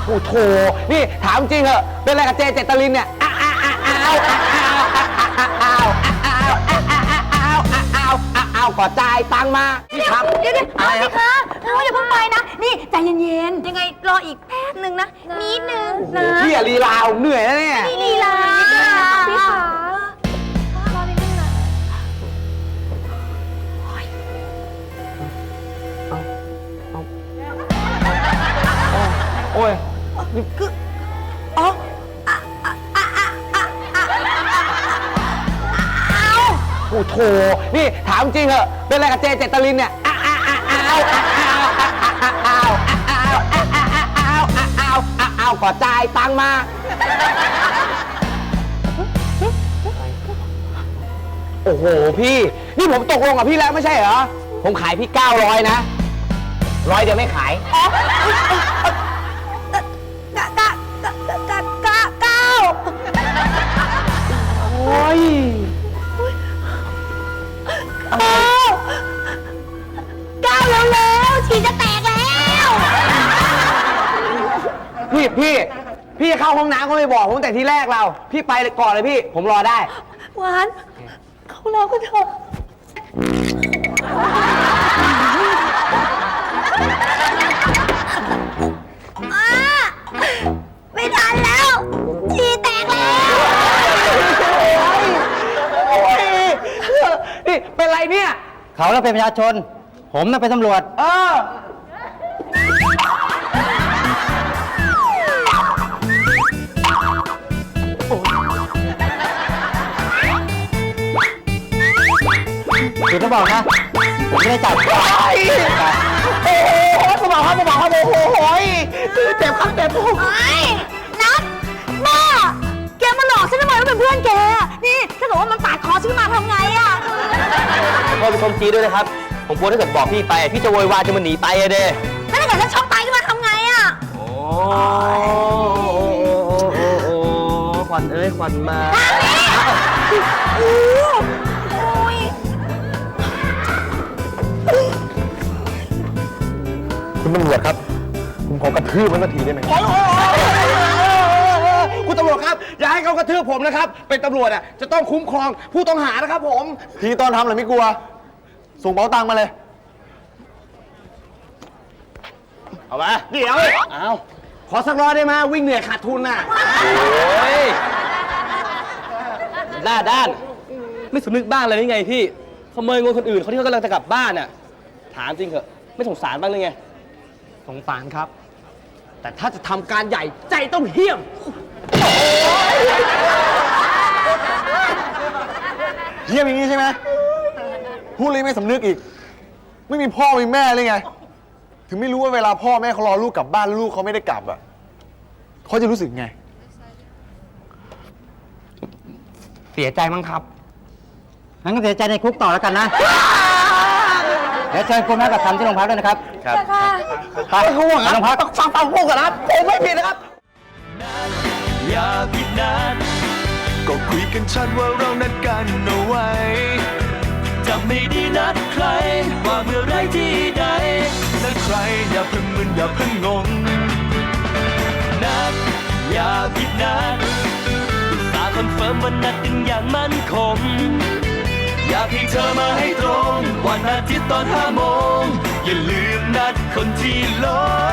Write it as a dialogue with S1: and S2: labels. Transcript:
S1: โอ้โถนี่ถามจริงเหอะเป็นอะไรกับเจเจตลินเนี่ยอ้าวก่อจ่ายตังมาพี่ครับ
S2: เดี๋ยวอะไรคะอย่าเพิ่งไปนะนี่ใจเย็นๆยังไงรออีกแป๊บนึงนะนิดนึงนะ
S1: พี่อะลีลาเหนื่อยแล้วเนี่ย
S2: ลีลาพี่ขารอนิดนึงนะ
S1: โอ้ย
S2: คืออ๋อ
S1: โอ้โถนี่ถามจริงเหอะเป็นอะไรกับเจเจตลินเนี่ยอ้าวก่อจ่ายตังมาโอ้โหพี่นี่ผมตกลงกับพี่แล้วไม่ใช่เหรอผมขายพี่900นะ100เดียวไม่ขายโอ้ย
S2: ก้าวแล้วฉี่จะแตกแล้ว
S1: พี่เข้าห้องน้ำก็ไม่บอกผมแต่ที่แรกเราพี่ไปก่อนเลยพี่ผมรอได้
S2: หวานเขารอก็เถอะไม่ทันแล้วฉี่แตกแล้ว
S1: นี่เป็นไรเนี่ย
S3: เขาเราเป็นประชาชนผมน่ะเป็นตำรวจคุณต้องบอกนะผมไม่ได้จับ
S1: โอ้โหผมบอกครับโอ้โหเจ็บครับเจ็บ
S2: นัทแม่แกมาหลอกฉันทำไมว่าเป็นเพื่อนแกนี่ถ้าเกิดว่ามันปาดคอฉันมาทำไงอะ
S1: พ่อเป็นคนจีด้วยนะครับผมกลัวถ้าเกิดบอกพี่ไปพี่จะโวยวายจะมันหนีไปอะเด้
S2: แล้วถ้าเกิดฉันช็อกตายขึ้นมาทำไงอะ
S1: โอ้ขวัญเอ้ยขวัญมา
S4: คุณตำรวจครับผมขอกระทืบมันนาทีได้ไหม
S1: คุณตำรวจครับอย่าให้เขากระทืบผมนะครับเป็นตำรวจอ่ะจะต้องคุ้มครองผู้ต้องหานะครับผม
S4: ทีตอนทำอะไรไม่กลัวส่งเป๋าตังค์มาเลย
S1: เอามาเดี๋ยวเอาขอสักร้อยได้ไหมวิ่งเหนื่อยขาดทุนน่ะโอ้ยหน้าด้านไม่สำนึกบ้างเลยนี่ไงพี่ขโมยเงินคนอื่นเขาที่เขากำลังจะกลับบ้านน่ะถามจริงเหรอไม่สงสารบ้างเลยไงสงสารครับแต่ถ้าจะทำการใหญ่ใจต้องเหี้ยม
S4: เหี้ยมอย่างนี้ใช่ไหมพูดเลยไม่สำนึกอีกไม่มีพ่อมีแม่เลยไงถึงไม่รู้ว่าเวลาพ่อแม่เขารอลูกกลับบ้านลูกเขาไม่ได้กลับอ่ะเขาจะรู้สึกไง
S1: เสียใจมั้งครับ
S3: งั้นก็เสียใจในคุกต่อแล้วกันนะเดี๋ยวเชิญคุณแม่กับทำที่โรงพักด้วยนะครับ
S1: ครับ
S3: ไปโรงพัก
S1: ฟังพูดกันนะผมไม่ผิดนะครับ
S5: อย่าผิดนัดก็คุยกันชัดว่าเรานัดกันเอาไว้จะไม่ได้นัดใครว่าเมื่อไรที่ใดนัดใครอย่าเพิ่งมึนอย่าเพิ่งงงนัดอย่าผิดนัดตาคอนเฟิร์มว่านัดกันอย่างมั่นคงอยากให้เธอมาให้ตรงวันอาทิตย์ตอน5 โมงอย่าลืมนัดคนที่หลง